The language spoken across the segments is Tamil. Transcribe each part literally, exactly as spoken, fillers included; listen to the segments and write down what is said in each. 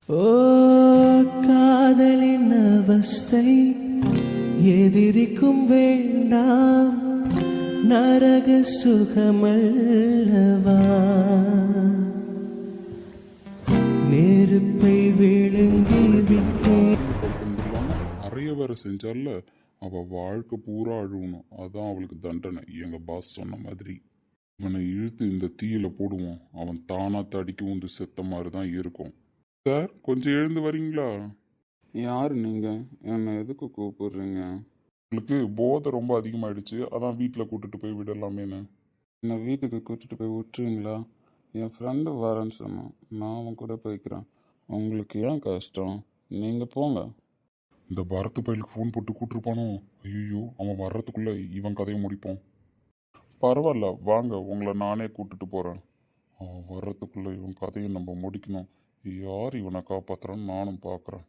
ஓ காதலின் அவஸ்தை எதிரிக்கும் வேண்டாம் நரக சுகமல்லவா நெருப்பை விழுங்கி விட்டேன். அறைய வேற செஞ்சால அவ வாழ்க்கை பூரா அழுவணும். அதான் அவளுக்கு தண்டனை. எங்க பாஸ் சொன்ன மாதிரி இவனை இழுத்து இந்த தீயில போடுவோம். அவன் தானா தடிக்க உண்டு செத்த மாதிரி தான் இருக்கும். சார் கொஞ்சம் எழுந்து வரீங்களா? யார் நீங்கள்? என்னை எதுக்கு கூப்பிடுறீங்க? உங்களுக்கு போதை ரொம்ப அதிகமாயிடுச்சு, அதான் வீட்டில் கூட்டிட்டு போய் விடலாமேன்னு. என்னை வீட்டுக்கு கூட்டிட்டு போய் விட்டுருங்களா? என் ஃப்ரெண்டு வரேன்னு சொன்னான், நான் அவன் கூட போய்க்கிறேன். உங்களுக்கு ஏன் கஷ்டம்? நீங்கள் போங்க. இந்த பரத்து பயிலுக்கு ஃபோன் போட்டு கூட்டிருப்பானோ? ஐயோ, அவன் வர்றதுக்குள்ளே இவன் கதையை முடிப்போம். பரவாயில்ல வாங்க, உங்களை நானே கூட்டிட்டு போகிறேன். அவன் வர்றதுக்குள்ளே இவன் கதையை நம்ம முடிக்கணும். யார் இவனை காப்பாற்றுறான்னு நானும் பார்க்குறேன்.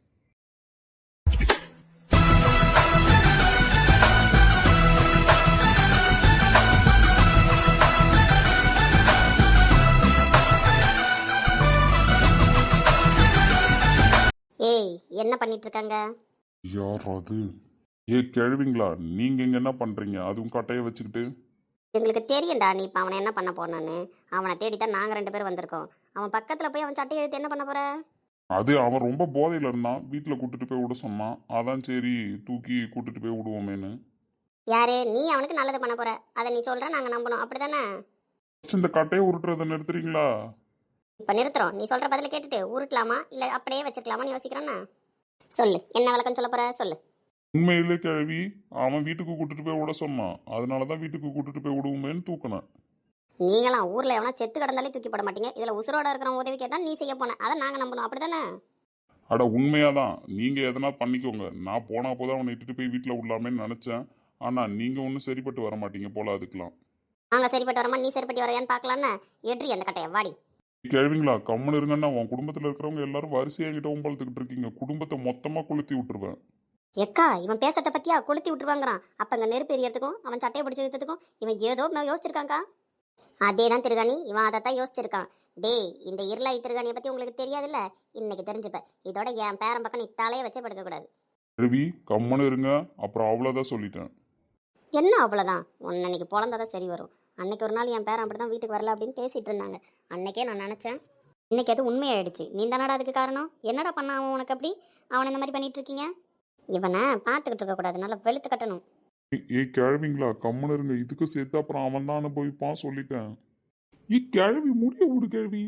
ஏய் என்ன பண்ணிட்டு இருக்காங்க? யார் அது? ஏ கேள்விங்களா, நீங்கள் இங்கே என்ன பண்ணுறீங்க? அதுவும் கட்டையை வச்சுக்கிட்டு. எங்களுக்கு தெரியும்டா நீ இப்போ அவனை என்ன பண்ண போனான்னு. அவனை தேடித்தான் நாங்கள் ரெண்டு பேரும் வந்திருக்கோம். அவன் பக்கத்தில் போய் அவன் சட்டையை எடுத்து என்ன பண்ண போற? அது அவன் ரொம்ப போதையில் இருந்தான், வீட்டில் கூட்டிட்டு போய் விட சொன்னான். அதான் சரி தூக்கி கூட்டிட்டு போய் விடுவோமேன்னு. யாரு நீ? அவனுக்கு நல்லது பண்ண போற, அதை நீ சொல்ற, நாங்கள் நம்பணும், அப்படிதானே? ஃபர்ஸ்ட் இந்த கட்டையை உருட்டுறதை நிறுத்துறீங்களா? இப்போ நிறுத்துறோம். நீ சொல்ற பதில கேட்டுட்டு உருட்டலாமா இல்லை அப்படியே வச்சிருக்கலாமான்னு யோசிக்கிறோன்னா. சொல்லு, என்ன விளக்கம் சொல்ல போற சொல்லு. உண்மையிலே கேள்வி, அவன் வீட்டுக்கு கூட்டிட்டு போய் விட சொன்னான். அதனால தான் வீட்டுக்கு கூட்டிட்டு போய் விடுவோமேன்னு தூக்கினேன். நீங்களாம் ஊரில் எவனா செத்து கிடந்தாலே தூக்கி போட மாட்டீங்க. இதில் உசுரோட இருக்கிற உதவி கேட்டால் நீ செய்ய போன, அதை நாங்கள் நம்பணும், அப்படிதானே? அட உண்மையாதான், நீங்கள் எதனா பண்ணிக்கோங்க. நான் போனா போதான் அவனை இட்டுட்டு போய் வீட்டில் விடலாமேன்னு நினச்சேன். ஆனால் நீங்கள் ஒன்றும் சரிப்பட்டு வர மாட்டீங்க போல அதுக்கெலாம். நாங்கள் சரிப்பட்டு வரமா, நீ சரிப்பட்டு வரையான்னு பார்க்கலான்னு. ஏற்றி அந்த கட்டையை வாடி. கேள்விங்களா, கம்முன்னு இருங்கன்னா உன் குடும்பத்தில் இருக்கிறவங்க எல்லாரும் வரிசையாக என்கிட்ட ஒம்பளத்துக்கிட்டு இருக்கீங்க. குடும்பத்தை மொத்தமாக கொளுத்தி விட்டுருவேன். எக்கா இவன் பேசத்தை பத்தியா கொளுத்தி விட்டுருவாங்கிறான். அப்ப அங்க நெருப்பு எரியறதுக்கும் அவன் சட்டையை பிடிச்சி இழுத்ததுக்கும் இவன் ஏதோ நான் யோசிச்சிருக்காங்கக்கா. அதே தான் திருகாணி, இவன் அதைத்தான் யோசிச்சிருக்கான். டேய், இந்த இருளாய் திருகாணியை பத்தி உங்களுக்கு தெரியாதுல்ல, இன்னைக்கு தெரிஞ்சுப்ப. இதோட என் பேரன் பக்கம் நீ தலையே வச்சே படுக்க கூடாது. ரவி கம்முன்னு இருங்க, அப்புறம் அவ்வளோதான் சொல்லிட்டேன். என்ன அவ்வளவுதான்? உன்னை இன்னைக்கு பிறந்தாதான் சரி வரும். அன்னைக்கு ஒரு நாள் என் பேரன் அப்படிதான் வீட்டுக்கு வரல அப்படின்னு பேசிட்டு இருந்தாங்க. அன்னைக்கே நான் நினைச்சேன், இன்னைக்கு அது உண்மையாயிடுச்சு. நீ தானடா அதுக்கு காரணம். என்னடா பண்ண அவன் உனக்கு? அப்படி அவன் இந்த மாதிரி பண்ணிட்டு இருக்கீங்க. இவனை பார்த்துக்கிட்டு இருக்க கூடாது, நல்லா வெளுத்து கட்டணும். ஏ கேள்விங்களா, கம்முன்னு இருங்க. இதுக்கு சேர்த்து அப்புறம் அவன் தான் அனுபவிப்பான் சொல்லிட்டேன். ஏ கேள்வி முடிய விடு கேள்வி.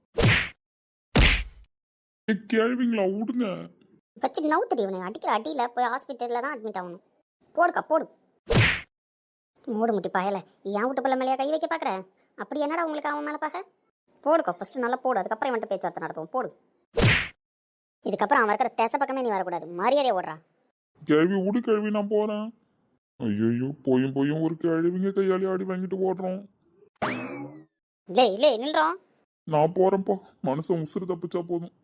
ஏ கேள்விங்களா விடுங்க. வச்சு நவுத்தடி, இவனை அடிக்கிற அடியில் போய் ஹாஸ்பிட்டலில் தான் அட்மிட் ஆகணும். போடுக்கா போடு. மூடு முட்டி பாயல, என் வீட்டு பிள்ளை மேலேயா கை வைக்க பார்க்குற? அப்படி என்னடா உங்களுக்கு அவன் மேலே பார்க்க? போடுக்கா ஃபஸ்ட்டு நல்லா போடு, அதுக்கப்புறம் இவன்ட்டு பேச்சுவார்த்தை நடத்துவோம். போடு. இதுக்கப்புறம் அவன் இருக்கிற தேச பக்கமே நீ வரக்கூடாது. மரியாதையை ஓடுறா. கேள்வி விடு கேள்வி, நான் போறேன். ஐயோ, போயும் போயும் ஒரு கேள்விங்க கையாளி ஆடி வாங்கிட்டு ஓடுறோம். இல்லை இல்லை நில்றோம். நான் போறேன்ப்பா, மனுஷன் உசுறு தப்பிச்சா போதும்.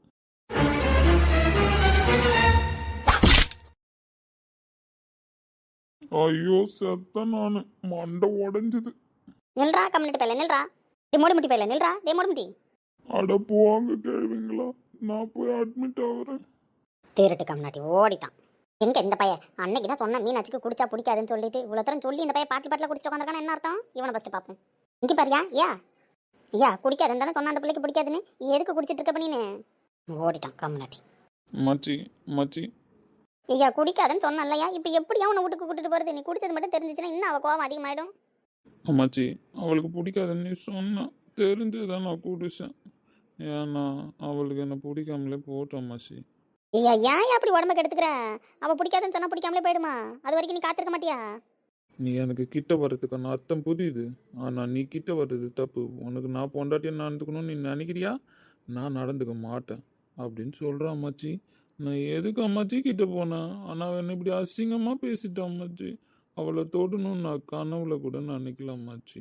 ஐயோ செத்த நானு, மண்டை உடஞ்சது. நில்றா கம்யூனிட்டி பையில நில்றா. டே மூடி முட்டி பையில நில்றா. டே மூடி முட்டி. அட போவாங்க கேள்விங்களா, நான் போய் அட்மிட் ஆகுறேன். தேரட்டு கம்யூனிட்டி ஓடிட்டான். எங்க இந்த பையன்? அன்னைக்கு தான் சொன்ன மீனாட்சிக்கு குடிச்சா பிடிக்காதுன்னு சொல்லிட்டு இவ்வளோ தரம் சொல்லி இந்த பையன் பாட்டில் பாட்டில் குடிச்சிட்டு உட்காந்துருக்கான. என்ன அர்த்தம்? இவனை ஃபஸ்ட்டு பார்ப்போம். இங்கே பாரியா, யா ஐயா குடிக்காதுன்னு தானே சொன்ன அந்த பிள்ளைக்கு பிடிக்காதுன்னு. எதுக்கு குடிச்சிட்டு இருக்க பண்ணின்னு ஓடிட்டான் கம்யூனிட்டி. மச்சி மச்சி ஐயா குடிக்காதுன்னு சொன்ன இல்லையா? இப்போ எப்படியா உன்னை வீட்டுக்கு கூட்டிட்டு போகிறது? நீ குடிச்சது மட்டும் தெரிஞ்சிச்சுன்னா இன்னும் அவள் கோவம் அதிகமாயிடும். மச்சி அவளுக்கு பிடிக்காதுன்னு சொன்னான், தெரிஞ்சுதான் நான் குடிச்சேன். ஏன்னா அவளுக்கு என்ன பிடிக்காமலே போட்டோம் மச்சி. ஐயா ஏன் அப்படி உடம்ப கெடுத்துக்கிற? அவள் பிடிக்காதுன்னு சொன்னால் பிடிக்காமலே போயிடுமா? அது வரைக்கும் நீ காத்திருக்க மாட்டியா? நீ எனக்கு கிட்ட வர்றதுக்கான அர்த்தம் புரியுது, ஆனால் நீ கிட்ட வர்றது தப்பு. உனக்கு நான் பொண்டாட்டியை நடந்துக்கணும்னு நீ நினைக்கிறியா? நான் நடந்துக்க மாட்டேன் அப்படின்னு சொல்கிறேன் அம்மாச்சி. நான் எதுக்கு அம்மாச்சி கிட்ட போனேன்? ஆனால் அவன் இப்படி அசிங்கமாக பேசிட்டான் அம்மாச்சி. அவளை தொடணும்னு நான் கனவுல கூட நினைக்கல அம்மாச்சி.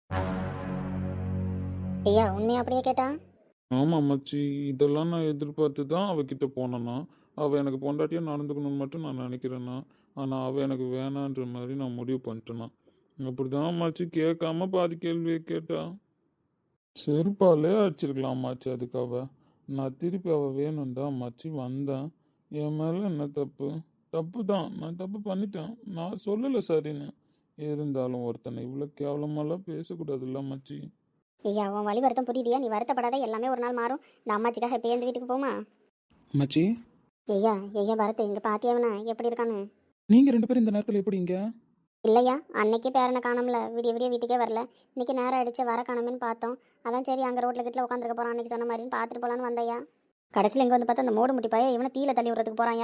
ஐயா உண்மையா அப்படியே கேட்டா? ஆமாம் அம்மாச்சி, இதெல்லாம் நான் எதிர்பார்த்து தான் அவகிட்ட போனேன்னா. அவள் எனக்கு பொண்டாட்டியாக நடந்துக்கணும்னு மட்டும் நான் நினைக்கிறேன்னா, ஆனால் அவள் எனக்கு வேணான்ற மாதிரி நான் முடிவு பண்ணிட்டேன்னா. அப்படி தான் அம்மாச்சி கேட்காம பாதி கேள்வியை கேட்டா. செருப்பாலே அடிச்சிருக்கலாம் அம்மாச்சி அதுக்காக. நான் திருப்பி அவள் வேணும்டா மச்சி வந்தேன். என் மேலே என்ன தப்பு? தப்பு தான், நான் தப்பு பண்ணிட்டேன். நான் சொல்லலை சரின்னு. இருந்தாலும் ஒருத்தனை இவ்வளோ கேவலமாலாம் பேசக்கூடாதுல்ல மச்சி. ஐயா உன் வழி வருத்தம் புரியுதியா? நீ வருத்தப்படாத, எல்லாமே ஒரு நாள் மாறும். இந்த அம்மாச்சிக்காக இப்போ எந்த வீட்டுக்கு போமா? மச்சி, ஐயா ஐயா பரத் இங்கே பாத்தியாவனா எப்படி இருக்கான்னு? நீங்கள் ரெண்டு பேரும் இந்த நேரத்தில் எப்படிங்க? இல்லையா, அன்னைக்கே பேரனை காணோம்ல, விடிய விடிய வீட்டுக்கே வரல. இன்னைக்கு நேரம் அடிச்சு வர காணோமேன்னு பார்த்தோம். அதான் சரி அங்கே ரோட்டில் கிட்ட உட்காந்துருக்க போகிறான் அன்னைக்கு சொன்ன மாதிரின்னு பார்த்துட்டு போகலான்னு வந்தையா. கடைசியில் இங்கே வந்து பார்த்தா அந்த மூடு முட்டி பாய இவனை தீயில தள்ளி விடுறதுக்கு போகிறாயா.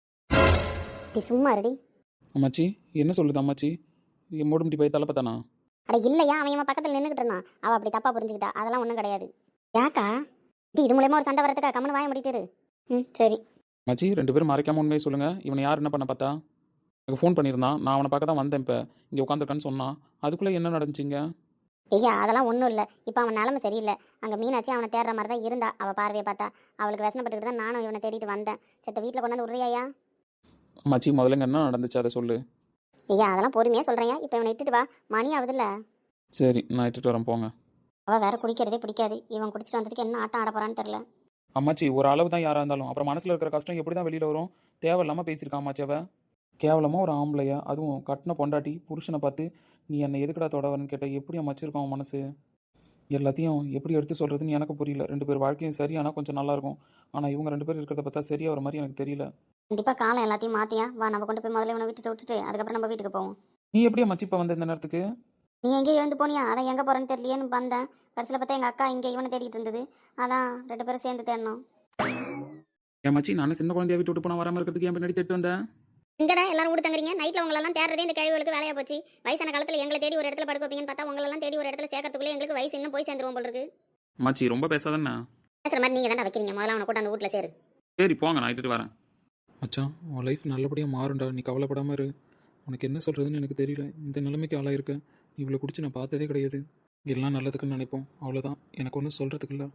நீ சும்மா ரெடி. அம்மாச்சி என்ன சொல்லுது அம்மாச்சி? என் மூடு முடி போய் தலை பார்த்தானா? அட இல்லையா, அவன் இவன் பக்கத்தில் நின்றுக்கிட்டு இருந்தான். அவள் அப்படி தப்பாக புரிஞ்சுக்கிட்டா, அதெல்லாம் ஒன்றும் கிடையாது. யாக்கா டி இது மூலயமா ஒரு சண்டை வரதுக்கா? கம்மனு வாய முடிட்டுரு. ம் சரி. மச்சி ரெண்டு பேரும் மறைக்காம உண்மையை சொல்லுங்கள். இவனை யார் என்ன பண்ண பார்த்தா? எனக்கு ஃபோன் பண்ணியிருந்தான். நான் அவனை பார்க்க தான் வந்தேன். இப்போ இங்கே உட்காந்துருக்கான்னு சொன்னான். அதுக்குள்ளே என்ன நடந்துச்சிங்க? ஐயா அதெல்லாம் ஒன்றும் இல்லை. இப்போ அவன் நிலமை சரியில்லை. அங்கே மீனாட்சி அவனை தேடுற மாதிரி தான் இருந்தா. அவள் பார்வையை பார்த்தா அவளுக்கு வசனப்பட்டுக்கிட்டு தான் நானும் இவனை தேடிட்டு வந்தேன். செத்த வீட்டில் கொண்டாந்து விட்றியா? மச்சி முதல்ல என்ன நடந்துச்சு அதை சொல்லு. ஐயா அதெல்லாம் பொறுமையாக சொல்கிறேன். இப்போ இவனை இட்டுட்டு வா, மணி ஆகுதுல்ல. சரி நான் இட்டுட்டு வரேன் போங்க. அவள் வேற குடிக்கிறதே பிடிக்காது. இவன் குடிச்சிட்டு வந்ததுக்கு என்ன ஆட்டம் ஆட போறான்னு தெரில. அம்மாச்சி ஒரு அளவு தான் யாராக இருந்தாலும் அப்புறம் மனசில் இருக்கிற கஷ்டம் எப்படி தான் வெளியில் வரும்? தேவையில்லாமல் பேசியிருக்கான் அம்மாச்சி. அவள் கேவலமாக ஒரு ஆம்பளையா, அதுவும் கட்டின பொண்டாட்டி புருஷனை பார்த்து நீ என்னை எதுக்கடா தொடவரன்னு கேட்ட எப்படி அம்மாச்சி இருக்கும் அவன் மனசு? எல்லாத்தையும் எப்படி எடுத்து சொல்கிறதுன்னு எனக்கு புரியல. ரெண்டு பேர் வாழ்க்கையும் சரி ஆனால் கொஞ்சம் நல்லாயிருக்கும். ஆனால் இவங்க ரெண்டு பேர் இருக்கிறத பார்த்தா சரியாக வர மாதிரி எனக்கு தெரியல. கண்டிப்பாக காலம் எல்லாத்தையும் மாற்றியா வா, நம்ம கொண்டு போய் முதல்ல இவனை விட்டுட்டு விட்டுட்டு அதுக்கப்புறம் நம்ம வீட்டுக்கு போவோம். நீ எப்படி அம்மாச்சி இப்போ வந்த இந்த நேரத்துக்கு? நீ எங்கேயும் எழுந்து போனியா? அதான் எங்கே போகிறேன்னு தெரியலையேன்னு வந்தேன். கடைசியில் பார்த்தா எங்கள் அக்கா இங்கே இவனை தேடிட்டு இருந்தது. அதான் ரெண்டு பேரும் சேர்ந்து தேடணும். என் மச்சி நான் சின்ன குழந்தைய விட்டு விட்டு போனால் வராமல் இருக்கிறதுக்கு என் பின்னாடி தேட்டு வந்தேன். இங்கடா எல்லாரும் கூட தங்குறீங்க. நைட்டில் உங்களெல்லாம் தேடுறதே இந்த கழிவுகளுக்கு வேலையாக போச்சு. வயசான காலத்தில் எங்களை தேடி ஒரு இடத்துல படுக்க வைப்பீங்கன்னு பார்த்தா உங்களெல்லாம் தேடி ஒரு இடத்துல சேர்க்கறதுக்குள்ளே எங்களுக்கு வயசு இன்னும் போய் சேர்ந்துருவோம் போல் இருக்கு. மச்சி ரொம்ப பேசாதண்ணா. பேசுகிற மாதிரி நீங்கள் தானே வைக்கிறீங்க. முதல்ல அவனை கூட அந்த வீட்டில் சேரு. சரி போங்க, நான் இட்டுட்டு வரேன். மச்சான் உன் லைஃப் நல்லபடியாக மாறும்டா, நீ கவலைப்படாமல் இரு. உனக்கு என்ன சொல்கிறதுன்னு எனக்கு தெரியல. இந்த நிலைமைக்கு ஆளாயிருக்க. இவ்வளோ குடிச்சு நான் பார்த்ததே கிடையாது. எல்லாம் நல்லதுக்குன்னு நினைப்போம், அவ்வளோதான். எனக்கு ஒன்றும் சொல்கிறதுக்கு இல்லை.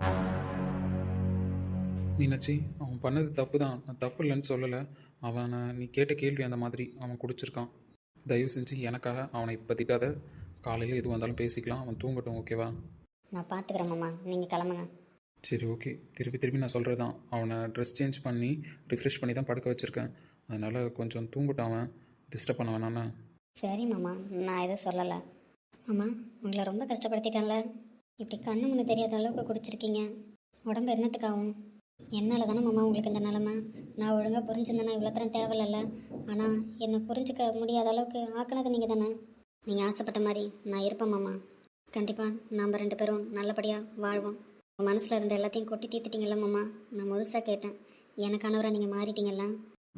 மீனாட்சி அவன் பண்ணது தப்பு தான், நான் தப்பு இல்லைன்னு சொல்லலை. அவனை நீ கேட்ட கேள்வி அந்த மாதிரி அவன் குடிச்சிருக்கான். தயவு செஞ்சு எனக்காக அவனை இப்போ திட்டாத. காலையில் எது வந்தாலும் பேசிக்கலாம். அவன் தூங்கட்டும், ஓகேவா? நான் பார்த்துக்கிறேன் மாமா, நீங்கள் கிளம்புங்க. சரி ஓகே. திருப்பி திருப்பி நான் சொல்கிறது தான், அவனை ட்ரெஸ் சேஞ்ச் பண்ணி ரிஃப்ரெஷ் பண்ணி தான் படுக்க வச்சுருக்கேன். அதனால் கொஞ்சம் தூங்கட்டும், அவன் டிஸ்டர்ப் பண்ண வேணாண்ணா. சரி மாமா, நான் எதுவும் சொல்லலை. மாமா உங்களை ரொம்ப கஷ்டப்படுத்திட்டேன்ல. இப்படி கண்ணு முன்னு தெரியாத அளவுக்கு குடிச்சிருக்கீங்க. உடம்பு என்னத்துக்காகும்? என்னால் தானே மாமா உங்களுக்கு இந்த நிலமை. நான் ஒழுங்காக புரிஞ்சுருந்தேன்னா இவ்வளோ தரம் தேவையில்ல. ஆனால் என்னை புரிஞ்சுக்க முடியாத அளவுக்கு ஆக்கினது நீங்கள் தானே. நீங்கள் ஆசைப்பட்ட மாதிரி நான் இருப்பேன் மாமா. கண்டிப்பாக நாம் ரெண்டு பேரும் நல்லபடியாக வாழ்வோம். உங்கள் மனசில் இருந்த எல்லாத்தையும் கொட்டி தீர்த்துட்டீங்கல்ல மாமா. நான் முழுசாக கேட்டேன். எனக்கானவரை நீங்கள் மாறிட்டீங்கல்ல.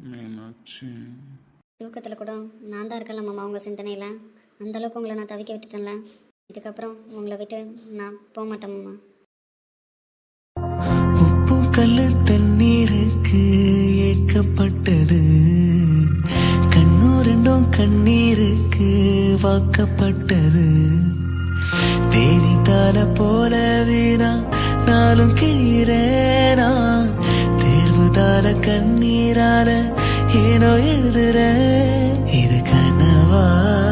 தூக்கத்தில் கூட நான் தான் இருக்கல மாமா உங்கள் சிந்தனையில். அந்தளவுக்கு உங்களை நான் தவிக்க விட்டுட்டேன்ல. இதுக்கப்புறம் உங்களை விட்டு நான் போக மாட்டேன் மாமா. உப்பு கல்லு தண்ணீருக்கு ஏக்கப்பட்டது, கண்ணு ரெண்டும் கண்ணீருக்கு வாக்கப்பட்டது. தேனித்தால போலவே நான் நாளும் கிழிறேனா, தேர்வுதால கண்ணீரால ஏனோ எழுதுற. இது கனவா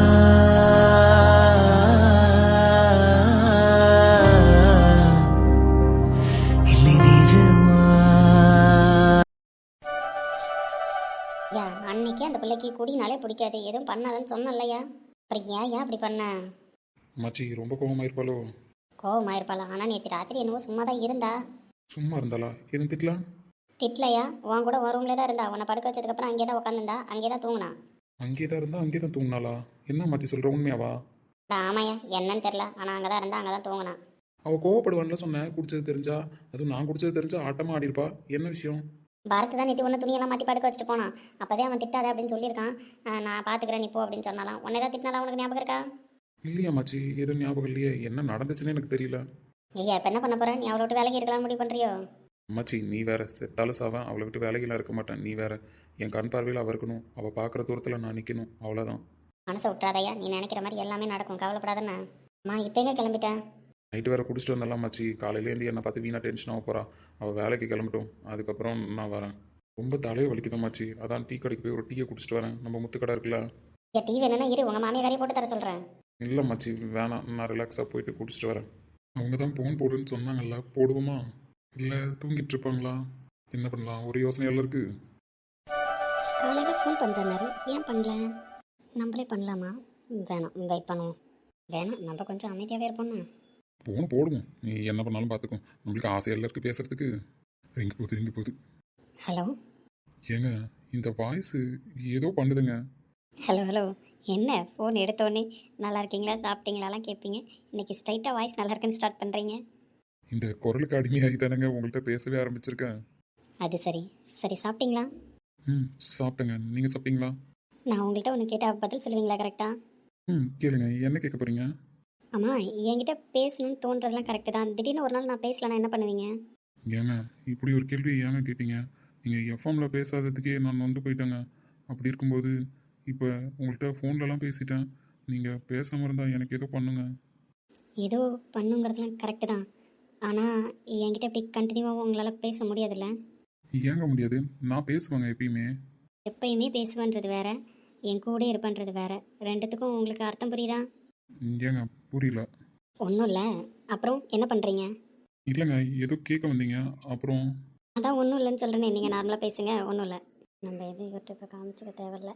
இல்லை நிஜமா? ஐயா அன்னைக்கு அந்த பிள்ளைக்கு குடினாலே பிடிக்காது, எதுவும் பண்ணாதன்னு சொன்னலையா. அப்புறம் ஏன் ஏன் அப்படி பண்ண? மச்சி ரொம்ப கோபமாயிருப்பாளோ? கோவமாயிருப்பாளா? ஆனால் நேற்று ராத்திரி என்னவோ சும்மா தான் இருந்தா. சும்மா இருந்தாளா? எதுவும் திட்டலாம்? திட்டலையா? உன் கூட ஒரு ரூம்லேயே தான் இருந்தா. உன்னை படுக்க வச்சதுக்கப்புறம் அங்கே தான் உட்காந்துருந்தா, அங்கே தான் தூங்கினா. அங்கே தான் இருந்தா அங்கே தான் தூங்கினாளா? என்ன மச்சி சொல்கிற, உண்மையாவா? ஆமாய்யா, என்னன்னு தெரில. ஆனால் அங்கே தான் இருந்தா, அங்கே தான் தூங்கினா. அவள் கோவப்படுவான்ல சொன்னேன், குடிச்சது தெரிஞ்சா. அதுவும் நான் குடிச்சது தெரிஞ்சா ஆட்டமாக ஆடிருப்பா. என்ன விஷயம்? பாரத் தான் நேற்று ஒன்று துணியெல்லாம் மாற்றி படுக்க வச்சுட்டு போனான். அப்போதே அவன் திட்டாதே அப்படின்னு சொல்லியிருக்கான். நான் பார்த்துக்கிறேன் நீ போ அப்படின்னு சொன்னாலாம். உன்னை தான் திட்டினாலாம், உனக்கு ஞாபகம் இருக்கா? இல்லையா மச்சி, எதுவும் ஞாபகம் இல்லையே. என்ன நடந்துச்சுன்னு எனக்கு தெரியல. ஐயா இப்போ என்ன பண்ண போகிறேன்? நீ அவளை விட்டு வேலைக்கு இருக்கலாம் முடிவு பண்ணுறியோ? மச்சி நீ வேற, செத்தாலும் சாவன், அவளை விட்டு வேலைகளாக இருக்க மாட்டேன். நீ வேற, என் கண் பார்வையில் அவள் இருக்கணும். அவள் பார்க்குற தூரத்தில் நான் நிற்கணும், அவ்வளோதான். மனசை விட்டுறாதையா, நீ நினைக்கிற மாதிரி எல்லாமே நடக்கும், கவலைப்படாதண்ணா. அம்மா இப்போ எங்கே கிளம்பிட்டேன்? நைட்டு வேறு குடிச்சிட்டு வந்தாலாம் மச்சி. காலையிலேருந்து என்னை பார்த்து வீணாக டென்ஷன் ஆக போகிறா. அவள் வேலைக்கு கிளம்பட்டும், அதுக்கப்புறம் நான் வரேன். ரொம்ப தலையை வலிக்குதான் மச்சி. அதான் டீ கடைக்கு போய் ஒரு டீயை குடிச்சிட்டு வரேன். நம்ம முத்து கடை இருக்குல்ல. ஏன் டீ வேணும்னா இரு, உங்கள் மாமியை வேறையை போட்டு தர சொல்கிறேன். இல்லை மச்சி வேணாம், நான் ரிலாக்ஸாக போயிட்டு குடிச்சிட்டு வரேன். அவங்க தான் ஃபோன் போடுன்னு சொன்னாங்கல்ல, போடுவோமா? இல்லை தூங்கிட்டு இருப்பாங்களா? என்ன பண்ணலாம் ஒரு யோசனையெல்லாம் இருக்கு. காலையில் ஃபோன் பண்ணுறனாரு, ஏன் பண்ணல? நம்மளே பண்ணலாமா? வேணாம், வெயிட் பண்ணுவோம். வேணாம், நம்ம கொஞ்சம் அமைதியாகவே இருப்போம்னா. போன போடுவோம், நீ என்ன பண்ணாலும் பார்த்துக்கோ. நம்மளுக்கு ஆசையெல்லாம் இருக்கு பேசுறதுக்கு. ரிங்கு போகுது ரிங்கு போகுது. ஹலோ ஏங்க இந்த வாய்ஸு ஏதோ பண்ணுதுங்க. ஹலோ ஹலோ என்ன ஃபோன் எடுத்தோடனே நல்லா இருக்கீங்களா சாப்பிட்டீங்களாலாம் கேட்பீங்க, இன்னைக்கு ஸ்ட்ரைட்டாக வாய்ஸ் நல்லா இருக்குன்னு ஸ்டார்ட் பண்ணுறீங்க. இந்த குரலுக்கு அடிமையாகி தானேங்க உங்கள்கிட்ட பேசவே ஆரம்பிச்சிருக்கேன். அது சரி. சரி சாப்பிட்டீங்களா? ம் சாப்பிட்டேங்க. நீங்கள் சாப்பிட்டீங்களா? நான் உங்கள்கிட்ட ஒன்று கேட்டால் பதில் சொல்லுவீங்களா கரெக்டாக? ம் கேளுங்க, என்ன கேட்க போகிறீங்க? ஆமாம், என்கிட்ட பேசணும்னு தோன்றதெல்லாம் கரெக்டு தான். திடீர்னு ஒரு நாள் நான் பேசலன்னா என்ன பண்ணுவீங்க? ஏங்க இப்படி ஒரு கேள்வி ஏங்க கேட்டீங்க? நீங்கள் எஃப்எம்மில் பேசாததுக்கே நான் வந்து போயிட்டேங்க. அப்படி இருக்கும்போது இப்போ உங்கள்கிட்ட ஃபோன்லலாம் பேசிட்டேன். நீங்கள் பேசாமல் இருந்தால் எனக்கு ஏதோ பண்ணுங்க. ஏதோ பண்ணுங்கிறதுலாம் கரெக்டு தான். ஆனால் என்கிட்ட இப்படி கண்டினியூவாக உங்களால் பேச முடியாதுல்ல? ஏங்க முடியாது? நான் பேசுவேங்க எப்பயுமே. எப்பயுமே பேசுவேன்றது வேற, என் கூட இருப்பேன்றது வேற. ரெண்டுத்துக்கும் உங்களுக்கு அர்த்தம் புரியுதா? ஏங்க புரியல. ஒன்றும் இல்லை. அப்புறம் என்ன பண்ணுறீங்க? இல்லைங்க ஏதோ கேட்க வந்தீங்க. அப்புறம் அதான் ஒன்றும் இல்லைன்னு சொல்கிறேனே, நீங்கள் நார்மலாக பேசுங்க. ஒன்றும் இல்லை. நம்ம எதுவும் இவர்கிட்ட இப்போ காமிச்சிக்க தேவையில்ல.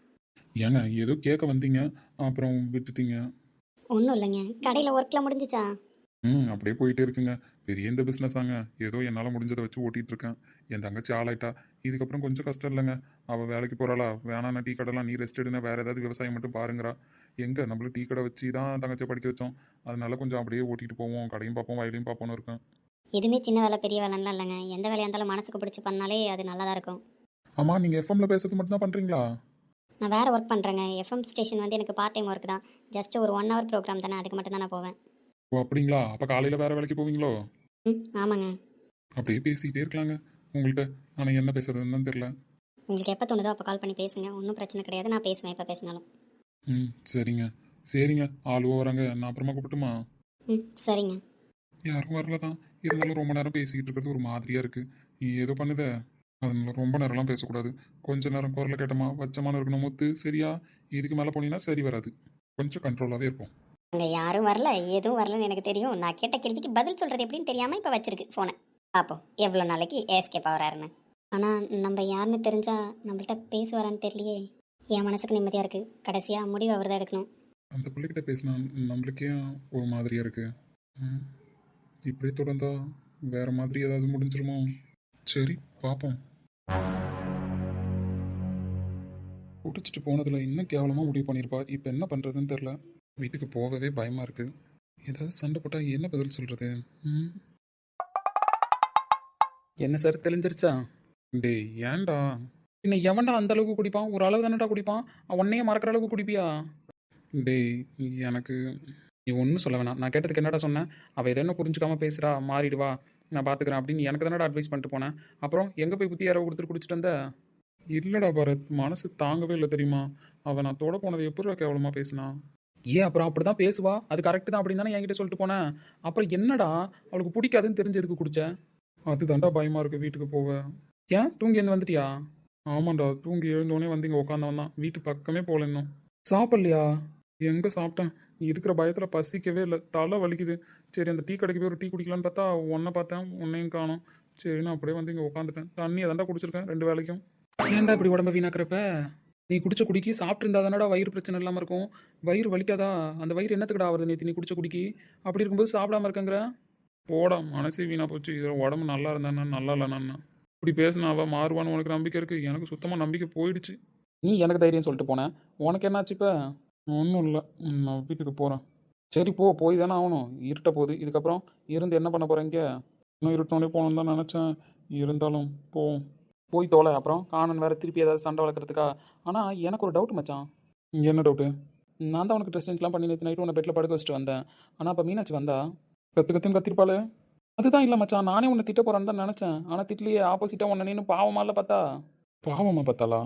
ஏங்க ஏதோ கேட்க வந்தீங்க அப்புறம் விட்டுட்டீங்க. ஒன்றும் இல்லைங்க. கடையில் ஒர்க்லாம் முடிஞ்சிச்சா? ம் அப்படியே போயிட்டே இருக்குங்க. பெரிய இந்த பிஸ்னஸாங்க. ஏதோ என்னால் முடிஞ்சதை வச்சு ஓட்டிகிட்டு இருக்கேன். என் தங்கச்சி ஆளாயிட்டா. இதுக்கப்புறம் கொஞ்சம் கஷ்டம் இல்லைங்க. அவள் வேலைக்கு போகிறாளா, வேணாண்ணா டீ கடைலாம் நீ ரெஸ்ட் எடுனா வேறு ஏதாவது விவசாயம் மட்டும் பாருங்கிறா. எங்கே நம்மளும் டீ கடை வச்சு தான் தங்கச்சியை படிக்க வச்சோம். அதனால கொஞ்சம் அப்படியே ஓட்டிகிட்டு போவோம். கடையும் பார்ப்போம் வயலையும் பார்ப்போம்னு இருக்கேன். எதுவுமே சின்ன வேலை பெரிய வேலைலாம் இல்லைங்க. எந்த வேலையாக இருந்தாலும் மனசுக்கு பிடிச்சி பண்ணாலே அது நல்லா தான் இருக்கும். ஆமாம் நீங்கள் எஃப்எம்மில் பேசுறது மட்டும் தான் பண்ணுறீங்களா? நான் வேறு ஒர்க் பண்ணுறேங்க. எஃப்எம் ஸ்டேஷன் வந்து எனக்கு பார்ட் டைம் ஒர்க் தான். ஜஸ்ட் ஒரு ஒன் ஹவர் ப்ரோக்ராம் தானே, அதுக்கு மட்டும் தான் நான் போவேன். ஓ அப்படிங்களா? அப்போ காலையில் வேறு வேலைக்கு போவீங்களோ? ம் ஆமாங்க. அப்படியே பேசிக்கிட்டே இருக்கலாங்க உங்கள்கிட்ட. ஆனால் என்ன பேசுறதுன்னு தெரில. உங்களுக்கு எப்போ தோணுதோ அப்போ கால் பண்ணி பேசுங்க, ஒன்றும் பிரச்சனை கிடையாது. நான் பேசுவேன் எப்போ பேசினாலும். ம் சரிங்க சரிங்க. ஆளுவோ வராங்க, நான் அப்புறமா கூப்பிட்டுமா? ம் சரிங்க. யாரும் வரல தான். இருந்தாலும் ரொம்ப நேரம் பேசிக்கிட்டு இருக்கிறது ஒரு மாதிரியாக இருக்குது. நீ ஏதோ பண்ணுத. அதனால ரொம்ப நேரம்லாம் பேசக்கூடாது. கொஞ்ச நேரம் குரலை கேட்டோமா வச்சமான இருக்கணும் முத்து. சரியா? இதுக்கு மேலே போனீங்கன்னா சரி வராது. கொஞ்சம் கண்ட்ரோலாகவே இருப்போம். அங்கே யாரும் வரல, எதுவும் வரலன்னு எனக்கு தெரியும். நான் கேட்ட கேள்விக்கு பதில் சொல்கிறது எப்படின்னு தெரியாமல் இப்போ வச்சிருக்கு ஃபோனை. பார்ப்போம் எவ்வளோ நாளைக்கு ஏஸ்கேப் ஆகிறாருன்னு. ஆனால் நம்ம யாருன்னு தெரிஞ்சால் நம்மள்கிட்ட பேசுவாரான்னு தெரியலையே. என் மனசுக்கு நிம்மதியாக இருக்குது. கடைசியாக முடிவு அவர் தான் எடுக்கணும். அந்த பிள்ளைகிட்ட பேசினா நம்மளுக்கே ஒரு மாதிரியாக இருக்குது. ம் இப்படியே தொடர்ந்தா வேறு மாதிரி ஏதாவது முடிஞ்சிருமோ? சரி பார்ப்போம். குடிச்சிட்டு போனதில் இன்னும் கேவலமாக முடிவு பண்ணியிருப்பா. இப்போ என்ன பண்ணுறதுன்னு தெரில. வீட்டுக்கு போகவே பயமாக இருக்குது. ஏதாவது சண்டை போட்டால் என்ன பதில் சொல்கிறது? ம் என்ன சார் தெளிஞ்சிருச்சா? டேய் ஏன்டா? பின்ன எவன்டா அந்த அளவுக்கு குடிப்பான்? ஒரு அளவு தானடா குடிப்பான். உன்னையே மறக்கிற அளவுக்கு குடிப்பியா? டேய் எனக்கு நீ ஒன்றும் சொல்ல வேணாம். நான் கேட்டதுக்கு என்னடா சொன்னேன்? அவள் எதோ என்ன புரிஞ்சுக்காம பேசுகிறா, மாறிடுவா, நான் பார்த்துக்கிறேன் அப்படின்னு எனக்கு தானடா அட்வைஸ் பண்ணிட்டு போனேன். அப்புறம் எங்கே போய் புத்தி யாரோ கொடுத்துட்டு குடிச்சிட்டு வந்த? இல்லைடா பாரத், மனசு தாங்கவே இல்லை தெரியுமா? அவன் நான் தொட போனதை எப்படி கேவலமாக பேசினா? ஏன் அப்புறம் அப்படி தான் பேசுவா, அது கரெக்டு தான் அப்படின்னு தானே என்கிட்ட சொல்லிட்டு போனேன். அப்புறம் என்னடா அவளுக்கு பிடிக்காதுன்னு தெரிஞ்சதுக்கு குடிச்ச? அதுதான்டா பயமாக இருக்குது வீட்டுக்கு போக. ஏன் தூங்கி வந்து வந்துட்டியா? ஆமாண்டா, தூங்கி எழுந்தோடனே வந்து இங்கே உட்காந்தவன் தான். வீட்டு பக்கமே போகல இன்னும். சாப்பிட்லையா? எங்கே சாப்பிட்டேன்? இருக்கிற பயத்தில் பசிக்கவே இல்லை, தலை வலிக்குது. சரி அந்த டீ கடைக்கு போய் ஒரு டீ குடிக்கலான்னு பார்த்தா உன்னை பார்த்தேன், உன்னையும் காணோம். சரி நான் அப்படியே வந்து இங்கே உட்காந்துட்டேன். தண்ணி அதான்டா குடிச்சிருக்கேன் ரெண்டு வேளைக்கும். ஏன்டா இப்படி உடம்ப வீணாக்குறப்ப? நீ குடிச்ச குடிக்கி சாப்பிட்ருந்தா தானடா வயிறு பிரச்சனை இல்லாமல் இருக்கும். வயிறு வலிக்காதா? அந்த வயிறு என்னத்துக்குடா வருது நேற்று நீ குடிச்ச குடிக்கி? அப்படி இருக்கும்போது சாப்பிடாம இருக்கங்கிற? போடா, மனசே வீணாக போச்சு. இதில் உடம்பு நல்லா இருந்தானே நல்லா இல்லைண்ணா. இப்படி பேசினா அவள் மாறுவான்னு உனக்கு நம்பிக்கை இருக்குது. எனக்கு சுத்தமாக நம்பிக்கை போயிடுச்சு. நீ எனக்கு தைரியம் சொல்லிட்டு போனேன், உனக்கு என்னாச்சு இப்போ? ஒன்றும் இல்லை, நான் வீட்டுக்கு போகிறேன். சரி போ, போய் தானே ஆகணும். இருட்ட போகுது. இதுக்கப்புறம் இருந்து என்ன பண்ண போகிறீங்க? இன்னும் இருட்டோடனே போகணுன்னு தான் நினச்சேன். இருந்தாலும் போவோம். போய் தோலை. அப்புறம் காணன் வேறு திருப்பி ஏதாவது சண்டை வளர்க்குறதுக்கா? ஆனால் எனக்கு ஒரு டவுட் மச்சான். இங்கே என்ன டவுட்டு? நான் தான் உனக்கு ட்ரெஸ் சேஞ்ச்லாம் பண்ணி நேற்று நைட்டு உன்னை பெட்டில் படுக்க வச்சுட்டு வந்தேன். ஆனால் அப்போ மீனாட்சி வந்தா? கற்று கற்றுன்னு கத்திருப்பாளே. அதுதான் இல்லை மச்சான், நானே உன்னை திட்ட போகிறான்னு தான் நினச்சேன். ஆனால் திட்லியே ஆப்போசிட்டாக உன்னை நின்று பாவமால பார்த்தா. பாவமா பார்த்தாளா?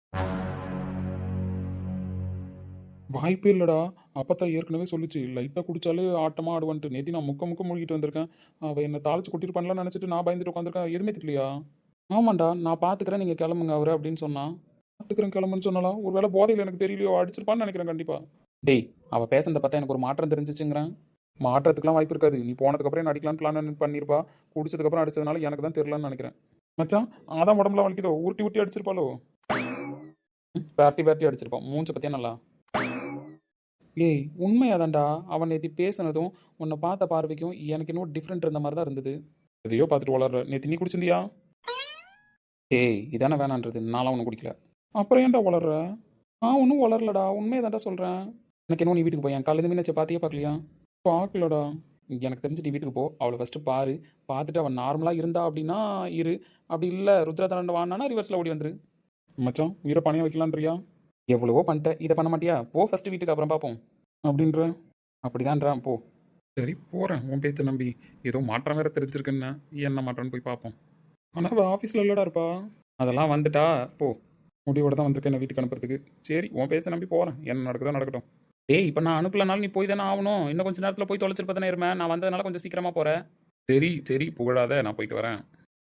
வாய்ப்பே இல்லைடா. அப்பத்தான் ஏற்கனவே சொல்லிச்சு, லைட்டாக குடிச்சாலே ஆட்டமாக ஆடுவான்ட்டு. நேற்று நான் முக்க முக்க மூழ்கிட்டு வந்திருக்கேன். அவள் என்னை தாளிச்சு கொட்டிட்டு பண்ணலான்னு நினச்சிட்டு நான் பயந்துட்டு உட்காந்துருக்கேன். எதுவுமே திட்டலையா? ஆமாண்டா, நான் பார்த்துக்கிறேன், நீங்கள் கிளம்புங்க அவரு அப்படின்னு சொன்னான். பார்த்துக்கிறேன் கிளம்புன்னு சொன்னாலாம். ஒரு வேளை போதையில் எனக்கு தெரியலையோ, அடிச்சிருப்பான்னு நினைக்கிறேன் கண்டிப்பாக. டேய், அவள் பேசுனதை பார்த்தா எனக்கு ஒரு மாற்றம் தெரிஞ்சிச்சுங்கிறேன். மாற்றத்துக்குலாம் வாய்ப்பு இருக்காது. நீ போனதுக்கப்புறம் என்ன அடிக்கலான்னு பிளான் பண்ணியிருப்பா. குடிச்சதுக்கப்புறம் அடிச்சதுனால எனக்கு தான் தெரிலன்னு நினைக்கிறேன். மச்சான் அதான் உடம்புல வலிக்குதோ, உருட்டி உருட்டி அடிச்சிருப்பாளோ. ம், பேர்ட்டி பேர்ட்டி அடிச்சிருப்பான். மூஞ்ச பத்தியா நல்லா. ஏய் உண்மையாதான்டா, அவன் நேற்று பேசுனதும் உன்னை பார்த்த பார்வைக்கும் எனக்கு இன்னும் டிஃப்ரெண்ட் இருந்த மாதிரி தான் இருந்தது. எதையோ பார்த்துட்டு வளர்ற. நேற்று நீ குடிச்சிருந்தியா? ஏய் இதானே வேணான்றது, நான்லாம் ஒன்றும் குடிக்கல. அப்புறம் ஏன்டா வளர்ற? நான் ஒன்றும் வளரலடா, உண்மையதான்டா சொல்கிறேன். எனக்கு இன்னும் நீ வீட்டுக்கு போய் என் காலையில் மீனாச்சை பார்த்தியே பார்க்கலையா? பார்க்கலடா. எனக்கு தெரிஞ்சு நீ வீட்டுக்கு போ, அவளை ஃபஸ்ட்டு பாரு. பார்த்துட்டு அவன் நார்மலாக இருந்தா அப்படின்னா இரு, அப்படி இல்லை ருத்ரா வாங்கினா ரிவர்ஸில் ஓடி வந்துரு. மச்சான் உயிரை பணியாக வைக்கலான்றியா? எவ்வளவோ பண்ணிட்டேன், இதை பண்ண மாட்டியா? போ ஃபஸ்ட்டு வீட்டுக்கு, அப்புறம் பார்ப்போம் அப்படின்ற. அப்படிதான்றான், போ. சரி போகிறேன், உன் பேச்சை நம்பி. ஏதோ மாற்றம் வேறு தெரிஞ்சிருக்குன்னா என்ன மாற்றம்னு போய் பார்ப்போம். ஆனால் அவள் ஆஃபீஸில் இல்லடா இருப்பா. அதெல்லாம் வந்துட்டா போ. முடிவோட தான் வந்திருக்கேன் என்ன வீட்டுக்கு அனுப்புறதுக்கு. சரி உன் பேச்சை நம்பி போகிறேன், என்ன நடக்குதோ நடக்கட்டும். டேய் இப்போ நான் அனுப்பலனாலும் நீ போய் தானே ஆகணும். இன்னும் கொஞ்சம் நேரத்தில் போய் தொலைச்சிருப்ப தானே இருப்பேன். நான் வந்ததுனால கொஞ்சம் சீக்கிரமாக போகிறேன். சரி சரி புகழாத, நான் போயிட்டு வரேன்.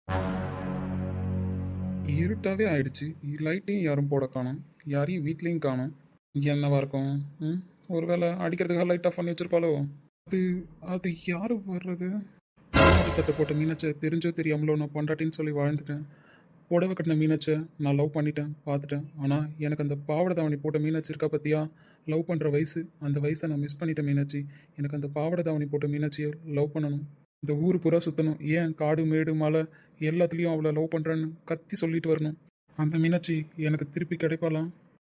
இருட்டாவே ஆயிடுச்சு, லைட்டையும் யாரும் போட காணும், யாரையும் வீட்லேயும் காணும். என்னவா இருக்கும்? ம் ஒருவேளை அடிக்கிறதுக்காக லைட் ஆஃப் பண்ணி வச்சிருப்பாளோ? அது அது யாரு வர்றது? சட்டை போட்ட மீனாச்சை தெரிஞ்சோ தெரியாமலோ நான் பொண்டாட்டின்னு சொல்லி வாழ்ந்துட்டேன். புடவை கட்டின மீனாச்சை நான் லவ் பண்ணிட்டேன், பார்த்துட்டேன். ஆனால் எனக்கு அந்த பாவடை தாவணி போட்ட மீனாட்சி இருக்கா பற்றியா? லவ் பண்ணுற வயசு, அந்த வயசை நான் மிஸ் பண்ணிட்டேன் மீனாட்சி. எனக்கு அந்த பாவடை தாவணி போட்ட மீனாட்சியை லவ் பண்ணணும். இந்த ஊர் பூரா சுற்றணும், ஏன் காடு மேடு மலை எல்லாத்துலேயும் அவளை லவ் பண்ணுறேன்னு கத்தி சொல்லிட்டு வரணும். அந்த மீனாட்சி எனக்கு திருப்பி கிடைப்பாளாம்?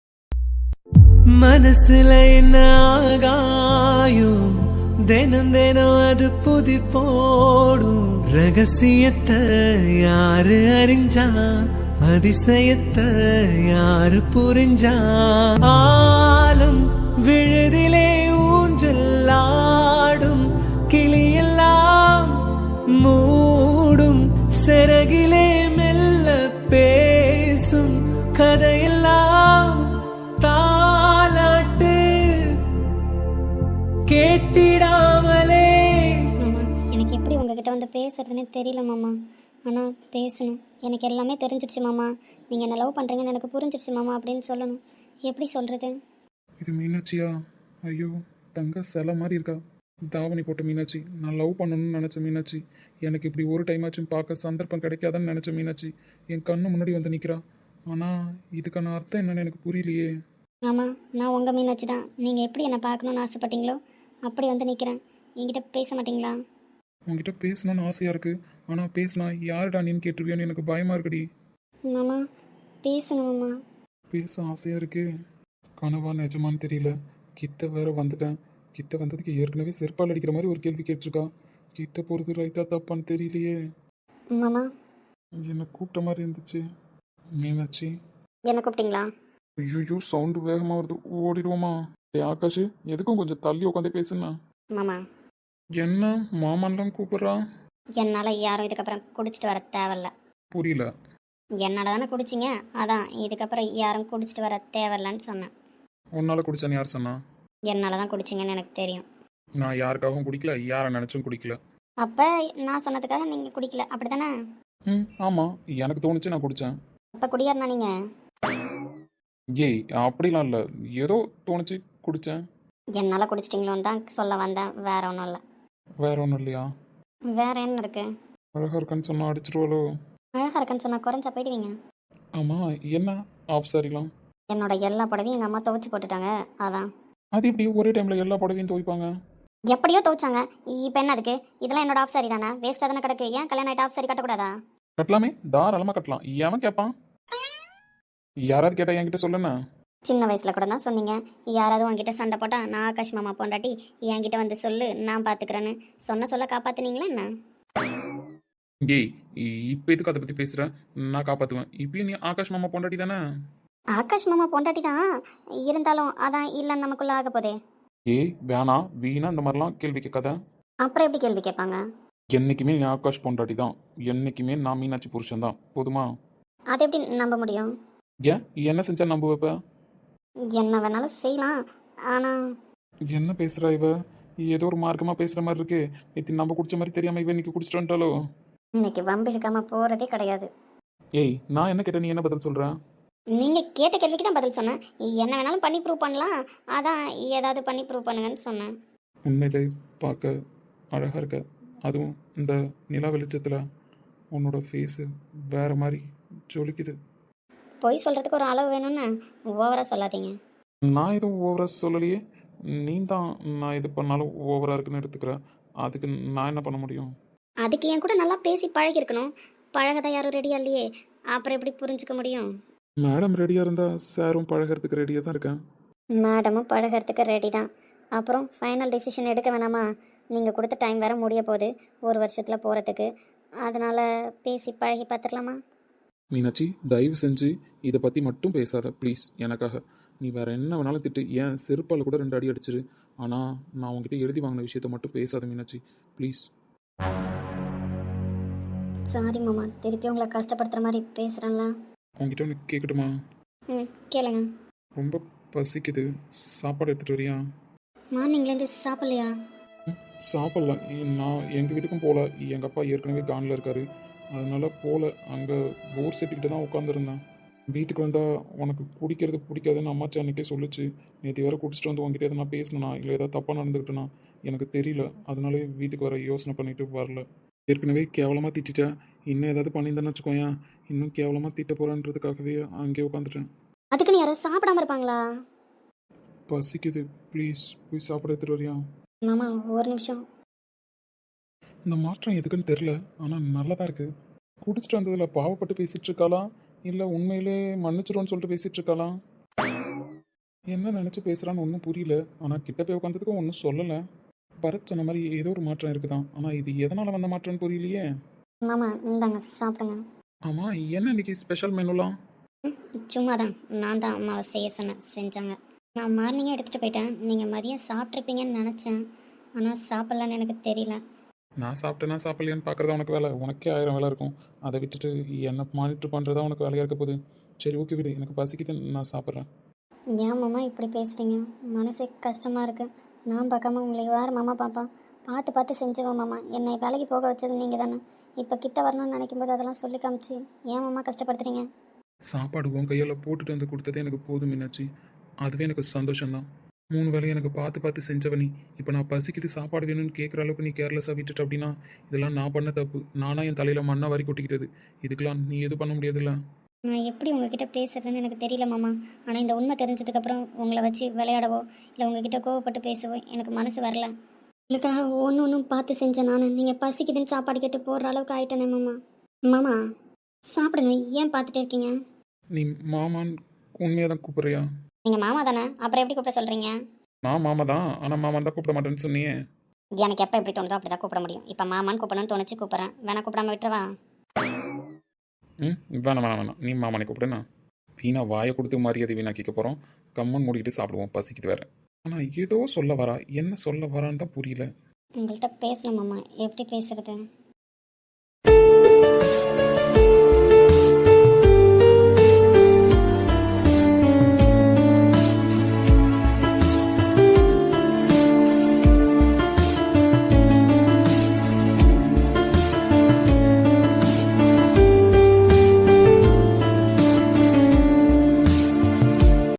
மனசுல என்ன ஆகாயும், தினம் தினம் அது புதி போடும். ரகசியத்தை யாரு அறிஞ்சா, அதிசயத்தை யாரு புரிஞ்சா. ஆலம் விழுதிலே ஊஞ்சலாடும் கிளியெல்லாம் மூடும். சிறகிலே மெல்ல பேசும் கதையெல்லாம் தாலாட்டு கேட்டிடாமலே. மாமா எனக்கு எப்படி உங்ககிட்ட வந்து பேசுறதுன்னே தெரியல மாமா. ஆனால் பேசணும், எனக்கு எல்லாமே தெரிஞ்சிருச்சு மாமா. நீங்கள் என்ன லவ் பண்ணுறீங்கன்னு எனக்கு புரிஞ்சிருச்சு மாமா அப்படின்னு சொல்லணும். எப்படி சொல்கிறது? இது மீனாட்சியா? ஐயோ தங்க சிலை மாதிரி இருக்கா. தாவணி போட்ட மீனாட்சி, நான் லவ் பண்ணணும்னு நினச்ச மீனாட்சி. எனக்கு இப்படி ஒரு டைம் ஆச்சும் பார்க்க சந்தர்ப்பம் கிடைக்காதுன்னு நினச்ச மீனாட்சி என் கண்ணு முன்னாடி வந்து நிற்கிறா. ஆனால் இதுக்கான அர்த்தம் என்னன்னு எனக்கு புரியலையே. மாமா நான் உங்கள் மீனாட்சி தான். நீங்கள் எப்படி என்னை பார்க்கணுன்னு ஆசைப்பட்டீங்களோ அப்படி வந்து நிற்கிறேன். என்கிட்ட பேச மாட்டீங்களா? உங்ககிட்ட பேசணும்னு ஆசையாக இருக்குது, ஆனால் பேசினா யாருடா நீன்னு கேட்டுருவியோன்னு எனக்கு பயமாக இருக்குடி. மாமா பேசுங்க மாமா. பேச ஆசையாக இருக்கு, கனவா நிஜமான்னு தெரியல. கிட்ட வேற வந்துட்டேன். கிட்ட வந்ததுக்கு ஏற்கனவே செருப்பால் அடிக்கிற மாதிரி ஒரு கேள்வி கேட்டிருக்கா. கிட்ட போகிறது ரைட்டாக தப்பான்னு தெரியலையே. மாமா என்னை கூப்பிட்ட மாதிரி இருந்துச்சு. மீனாட்சி. என்ன கூப்பிட்டீங்களா? ஐயோ சவுண்டு வேகமாக வருது, ஓடிடுவோமா? டேய் ஆகாஷ், எதுக்கும் கொஞ்சம் தள்ளி உட்காந்து பேசுனா. மாமா என்ன மாமான்லாம் கூப்பிட்றா? என்னால் யாரும் இதுக்கப்புறம் குடிச்சிட்டு வர தேவையில்ல. புரியல. என்னால் தானே குடிச்சிங்க, அதான் இதுக்கப்புறம் யாரும் குடிச்சிட்டு வர தேவையில்லன்னு சொன்னேன். உன்னால் குடிச்சான்னு யார் சொன்னா? என்னால் தான் குடிச்சிங்கன்னு எனக்கு தெரியும். நான் யாருக்காகவும் குடிக்கல, யாரை நினச்சும் குடிக்கல. அப்போ நான் சொன்னதுக்காக நீங்கள் குடிக்கல அப்படி தானே? ம் ஆமாம், எனக்கு தோணுச்சு நான் குடித்தேன். அப்போ குடியாருனா நீங்கள்? ஏய் அப்படிலாம் இல்லை, ஏதோ தோணுச்சு குடித்தேன். என்னால் குடிச்சிட்டிங்களோன்னு தான் சொல்ல வந்தேன், வேற ஒன்றும் இல்லை. வேற ஒன்றும் இல்லையா? வேற என்ன இருக்கு? அழகாக இருக்கான்னு சொன்னால் அடிச்சிருவாளோ? அழகாக இருக்குன்னு சொன்னால் குறைஞ்சா போயிடுவீங்க. ஆமாம் என்ன ஆஃப் சாரிலாம்? என்னோட எல்லா புடவையும் எங்கள் அம்மா துவைச்சி போட்டுட்டாங்க, அதான். அது எப்படி ஒரே டைமில் எல்லா புடவையும் துவைப்பாங்க? எப்படியோ துவைச்சாங்க, இப்போ என்ன அதுக்கு? இதெல்லாம் என்னோட ஆஃப் சாரி தானே, வேஸ்ட்டாக தானே கிடக்கு. ஏன் கல்யாணம் ஆகிட்டு ஆஃப் சாரி கட்டக்கூடாதா? கட்டலாமே, தாராளமாக கட்டலாம். எவன் கேட்பான்? யாராவது கேட்டால் என்கிட்ட சொல்லுண்ணா. சின்ன வயசில் கூட தான் சொன்னீங்க, யாராவது உங்ககிட்ட சண்டை போட்டால் நான் ஆகாஷ் மாமா பொண்டாட்டி என்கிட்ட வந்து சொல்லு நான் பார்த்துக்கிறேன்னு. சொன்ன சொல்ல காப்பாற்றுனீங்களா என்ன? ஏய் இப்போ எதுக்கு அதை பற்றி பேசுகிறேன்? நான் காப்பாற்றுவேன். இப்பயும் நீ ஆகாஷ் மாமா பொண்டாட்டி தானே? ஆகாஷ் மாமா பொண்டாட்டி தான், இருந்தாலும் அதான் இல்லைன்னு நமக்குள்ள ஆக போதே. ஏய் வேணா வீணா இந்த மாதிரிலாம் கேள்வி கேட்காத. அப்புறம் எப்படி கேள்வி கேட்பாங்க? என்றைக்குமே நீ ஆகாஷ் பொண்டாட்டி தான், என்றைக்குமே நான் மீனாட்சி புருஷன் தான், போதுமா? அதை எப்படி நம்ப முடியும்? ஏன் என்ன செஞ்சா நம்ப வைப்ப? என்ன வேணாலும் செய்யலாம், ஆனால் என்ன பேசுகிறா இவ? ஏதோ ஒரு மார்க்கமாக பேசுகிற மாதிரி இருக்கு. நேற்று நம்ம குடிச்ச மாதிரி தெரியாமல் இவ இன்னைக்கு குடிச்சிட்டு வந்துட்டாலோ? இன்னைக்கு வம்பு இழுக்காமல் போகிறதே கிடையாது. ஏய் நான் என்ன கேட்டேன், நீ என்ன பதில் சொல்கிறேன்? நீங்கள் கேட்ட கேள்விக்கு தான் பதில் சொன்னேன். என்ன வேணாலும் பண்ணி ப்ரூவ் பண்ணலாம், அதான் ஏதாவது பண்ணி ப்ரூவ் பண்ணுங்கன்னு சொன்னேன். உண்மையிலே பார்க்க அழகாக இருக்க. அதுவும் இந்த நிலா வெளிச்சத்தில் உன்னோட ஃபேஸு வேறு மாதிரி ஜொலிக்குது. பொய் சொல்கிறதுக்கு ஒரு அளவு வேணும்னு ஓவராக சொல்லாதீங்க. நான் எதுவும் ஓவராக சொல்லலையே. நீ தான் நான் எது பண்ணாலும் ஓவராக இருக்குன்னு எடுத்துக்கிறேன். அதுக்கு நான் என்ன பண்ண முடியும்? அதுக்கு என் கூட நல்லா பேசி பழகிருக்கணும். பழகதான் யாரும் ரெடியாக இல்லையே, அப்புறம் எப்படி புரிஞ்சுக்க முடியும்? மேடம் ரெடியாக இருந்தால் சாரும் பழகிறதுக்கு ரெடியாக தான் இருக்கேன். மேடமும் பழகிறதுக்கு ரெடி தான். அப்புறம் ஃபைனல் டிசிஷன் எடுக்க வேணாமா? நீங்கள் கொடுத்த டைம் வேறு முடிய போகுது ஒரு வருஷத்தில் போகிறதுக்கு. அதனால் பேசி பழகி பார்த்துடலாமா? மீனாட்சி, தயவு செஞ்சு இதை பற்றி மட்டும் பேசாத ப்ளீஸ். எனக்காக நீ வேறு என்ன வேணாலும் திட்டு, ஏன் செருப்பால் கூட ரெண்டு அடி அடிச்சிரு. ஆனால் நான் உங்ககிட்ட எழுதி வாங்கின விஷயத்த மட்டும் பேசாத மீனாட்சி ப்ளீஸ். சாரி மாமா, திருப்பி உங்களை கஷ்டப்படுத்துகிற மாதிரி பேசுகிறேன்ல. உங்ககிட்ட ஒன்று கேட்கட்டுமா? ம், கேளுங்க. ரொம்ப பசிக்குது, சாப்பாடு எடுத்துகிட்டு வரியா? மார்னிங்லேருந்து சாப்பிட்லையா? ம், சாப்பிட்லாம். நான் எங்கள் வீட்டுக்கும் போகல. எங்கள் அப்பா ஏற்கனவே கானில் இருக்கார், அதனால போகல. அங்கே போர் செட்டுக்கிட்ட தான் உட்காந்துருந்தேன். வீட்டுக்கு வந்தால் உனக்கு குடிக்கிறது பிடிக்காதுன்னு அம்மாச்சி அன்றைக்கே சொல்லிச்சு. நேற்று வேறு குடிச்சிட்டு வந்து உங்ககிட்ட எதை நான் பேசினேனா இல்லை ஏதாவது தப்பாக நடந்துக்கிட்டேனா எனக்கு தெரியல. அதனாலே வீட்டுக்கு வர யோசனை பண்ணிட்டு வரல. ஏற்கனவே கேவலமாக திட்டேன். இன்னும் ஏதாவது பண்ணியிருந்தேன்னு வச்சுக்கோயேன், இன்னும் கேவலமாக திட்ட போகிறேன்றதுக்காகவே அங்கேயே உட்காந்துட்டேன். அதுக்குன்னு யாராவது சாப்பிடாம இருப்பாங்களா? பசிக்குது, ப்ளீஸ் போய் சாப்பிட எடுத்துகிட்டு வரியா? மாமா ஒரு நிமிஷம். இந்த மாற்றம் எதுக்குன்னு தெரில, ஆனால் நல்லா தான் இருக்குது. குடிச்சிட்டு வந்ததில் பாவப்பட்டு பேசிகிட்டு இருக்காளா இல்லை உண்மையிலே மன்னிச்சிடும்னு சொல்லிட்டு பேசிகிட்டு இருக்காளா? என்ன நினச்சி பேசுகிறான்னு ஒன்றும் புரியல. ஆனால் கிட்ட போய் உட்காந்ததுக்கும் ஒன்றும் சொல்லலை. பரத் சொன்ன மாதிரி ஏதோ ஒரு மாற்றம் இருக்குதான், ஆனால் இது எதனால் வந்த மாற்றம்னு புரியலையே. மாமா இந்தாங்க சாப்பிடுங்க. ஆமாம், என்ன இன்னைக்கு ஸ்பெஷல் மெனுலாம்? சும்மா தான், நான் தான் அம்மாவை செய்ய சொன்னேன், செஞ்சாங்க. நான் மார்னிங்கே எடுத்துகிட்டு போயிட்டேன். நீங்கள் மதியம் சாப்பிட்ருப்பீங்கன்னு நினச்சேன், ஆனால் சாப்பிட்லான்னு எனக்கு தெரியல. நான் சாப்பிட்டேன்னா சாப்பிட்லையான்னு பார்க்குறதா உனக்கு வேலை. உனக்கே ஆயிரம் வேலை இருக்கும். அதை விட்டுட்டு என்ன மானிட்டர் பண்ணுறதா உனக்கு வேலையாக இருக்க போகுது. சரி ஓகே விடு, எனக்கு பசிக்குது, நான் சாப்பிட்றேன். ஏன் மாமா இப்படி பேசுகிறீங்க? மனசே கஷ்டமாக இருக்குது. நான் பார்க்காம உங்களை யார் மாமா பாப்பா? பார்த்து பார்த்து செஞ்சுவேன் மாமா. என்னை வேலைக்கு போக வச்சது நீங்கள் தானே. இப்போ கிட்ட வரணும்னு நினைக்கும் போது அதெல்லாம் சொல்லி காமிச்சு ஏன் மாமா கஷ்டப்படுத்துறீங்க? சாப்பாடு உன் கையால் போட்டுட்டு வந்து கொடுத்ததே எனக்கு போதும் மீனாட்சி. அதுவே எனக்கு சந்தோஷம்தான். மூணு வேலையை எனக்கு பார்த்து பார்த்து செஞ்சவனி இப்போ நான் பசிக்குது சாப்பாடு வேணும்னு கேட்குற அளவுக்கு நீ கேர்லெஸ்ஸாக விட்டுட்டு அப்படின்னா இதெல்லாம் நான் பண்ண தப்பு. நானாக என் தலையில் மண்ணா வரி கொட்டிக்கிட்டது. இதுக்கெல்லாம் நீ எதுவும் பண்ண முடியாதுல்ல. நான் எப்படி உங்ககிட்ட பேசுறதுன்னு எனக்கு தெரியல மாமா. ஆனால் இந்த உண்மை தெரிஞ்சதுக்கப்புறம் உங்களை வச்சு விளையாடவோ இல்லை உங்ககிட்ட கோவப்பட்டு பேசவோ எனக்கு மனசு வரல. உங்களுக்காக ஒன்று ஒன்றும் பார்த்து செஞ்சேன் நான். நீங்கள் பசிக்குதுன்னு சாப்பாடு கேட்டு போடுற அளவுக்கு ஆயிட்டேனே மாமா. மாமா சாப்பிடுங்க, ஏன் பார்த்துட்டே இருக்கீங்க? நீ மாமான்னு உண்மையாக தான் கூப்பிட்றியா? நீங்கள் மாமா தானே, அப்புறம் எப்படி கூப்பிட சொல்கிறீங்க? நான் மாமா தான், ஆனால் மாமான் தான் கூப்பிட மாட்டேன்னு சொன்னியே. எனக்கு எப்போ எப்படி தோணுதோ அப்படி தான் கூப்பிட முடியும். இப்போ மாமான்னு கூப்பிடணும்னு தோணுச்சு கூப்பிட்றேன். வேணா கூப்பிடாம விட்டுறவா? ம் வேணாம் வேணாம் வேணாம், நீ மாமானை கூப்பிடுண்ணா. வீணா வாயை கொடுத்து மரியாதை வீணா கேட்க போகிறோம். கம்மன் மூடிக்கிட்டு சாப்பிடுவோம், பசிக்குது வேறு. ஆனால் ஏதோ சொல்ல வரா, என்ன சொல்ல வரான்னு தான் புரியல. உங்கள்கிட்ட பேசணும் மாமா, எப்படி பேசுறது?